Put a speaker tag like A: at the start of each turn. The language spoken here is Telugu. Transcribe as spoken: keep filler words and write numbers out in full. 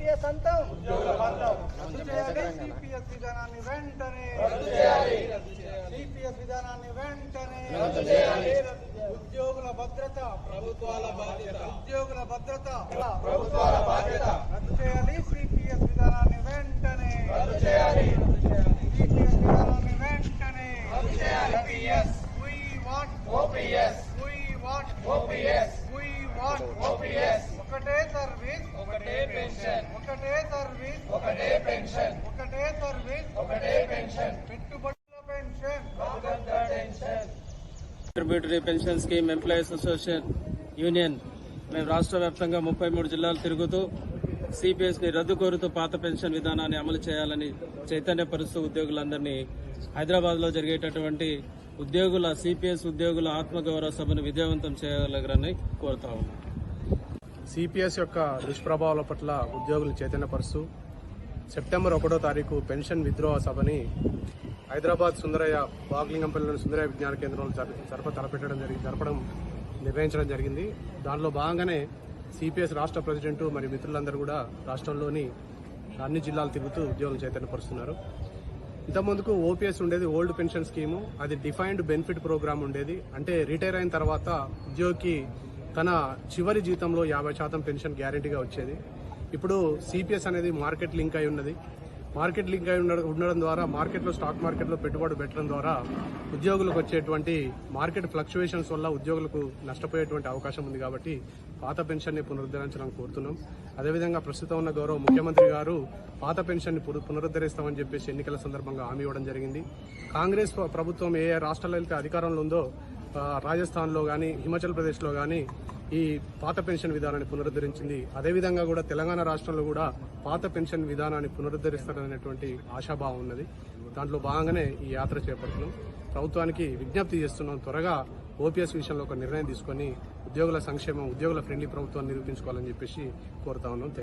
A: సిపిఎస్ అంతం రద్దు చేయాలి. సిపిఎస్ విధానాన్ని వెంటనే రద్దు చేయాలి. సిపిఎస్ విధానాన్ని వెంటనే రద్దు చేయాలి. ఉద్యోగుల భద్రత ప్రభుత్వాల బాధ్యత. ఉద్యోగుల భద్రత ప్రభుత్వాల బాధ్యత. రద్దు చేయాలి. సిపిఎస్ విధానాన్ని వెంటనే రద్దు చేయాలి. సిపిఎస్ విధానాన్ని వెంటనే రద్దు చేయాలి. CPS we want OPS we want OPS we want OPS ఒకటే సర్వీస్ ఒకటే పెన్షన్ ఒకటే సర్వీస్ ఒకటే పెన్షన్ ఒకటే సర్వీస్ ఒకటే పెన్షన్ పెట్టుబడుల పెన్షన్ భద్రత pension
B: contributory pension scheme employees association union మేము రాష్ట్ర వ్యాప్తంగా ముప్పై మూడు జిల్లాలు తిరుగుతూ సిపిఎస్ ని రద్దు కోరుతూ పాత పెన్షన్ విధానాన్ని అమలు చేయాలని చైతన్యపరుస్తూ ఉద్యోగులందరినీ హైదరాబాద్ లో జరిగేటటువంటి ఉద్యోగుల సిపిఎస్ ఉద్యోగుల ఆత్మగౌరవ సభను విజయవంతం చేయగలగరని కోరుతా ఉన్నాం.
C: సిపిఎస్ యొక్క దుష్ప్రభావాల పట్ల ఉద్యోగులు చైతన్యపరుస్తూ సెప్టెంబర్ ఒకటో తారీఖు పెన్షన్ విత్డ్రా సభని హైదరాబాద్ సుందరయ్య బాగ్లింగంపల్లిలోని సుందరయ్య విజ్ఞాన కేంద్రంలో జరప తలపెట్టడం జరిగింది జరపడం నిర్వహించడం జరిగింది. దానిలో భాగంగానే సిపిఎస్ రాష్ట్ర ప్రెసిడెంట్ మరియు మిత్రులందరూ కూడా రాష్ట్రంలోని అన్ని జిల్లాలు తిరుగుతూ ఉద్యోగులు చైతన్యపరుస్తున్నారు. ఇంతకుముందుకు ఓపీఎస్ ఉండేది, ఓల్డ్ పెన్షన్ స్కీము. అది డిఫైన్డ్ బెనిఫిట్ ప్రోగ్రామ్ ఉండేది. అంటే రిటైర్ అయిన తర్వాత ఉద్యోగికి తన చివరి జీతంలో యాభై శాతం పెన్షన్ గ్యారెంటీగా వచ్చేది. ఇప్పుడు సిపిఎస్ అనేది మార్కెట్ లింక్ అయి ఉన్నది. మార్కెట్ లింక్ అయి ఉండడం ద్వారా మార్కెట్లో స్టాక్ మార్కెట్లో పెట్టుబడి పెట్టడం ద్వారా ఉద్యోగులకు వచ్చేటువంటి మార్కెట్ ఫ్లక్చువేషన్స్ వల్ల ఉద్యోగులకు నష్టపోయేటువంటి అవకాశం ఉంది. కాబట్టి పాత పెన్షన్ ని పునరుద్ధరించాలని కోరుతున్నాం. అదేవిధంగా ప్రస్తుతం ఉన్న గౌరవ ముఖ్యమంత్రి గారు పాత పెన్షన్ ని పునరుద్ధరిస్తామని చెప్పేసి ఎన్నికల సందర్భంగా హామీ ఇవ్వడం జరిగింది. కాంగ్రెస్ ప్రభుత్వం ఏ రాష్ట్రాల్లో అయితే అధికారంలో ఉందో రాజస్థాన్ లో గానీ హిమాచల్ ప్రదేశ్ లో గానీ ఈ పాత పెన్షన్ విధానాన్ని పునరుద్ధరించింది. అదేవిధంగా కూడా తెలంగాణ రాష్ట్రంలో కూడా పాత పెన్షన్ విధానాన్ని పునరుద్ధరిస్తారనేటువంటి ఆశాభావం ఉన్నది. దాంట్లో భాగంగానే ఈ యాత్ర చేపడుతున్నాం. ప్రభుత్వానికి విజ్ఞప్తి చేస్తున్నాం, త్వరగా ఓపీఎస్ విషయంలో ఒక నిర్ణయం తీసుకుని ఉద్యోగుల సంక్షేమం, ఉద్యోగుల ఫ్రెండ్లీ ప్రభుత్వాన్ని నిరూపించుకోవాలని చెప్పేసి కోరుతా ఉన్నాం.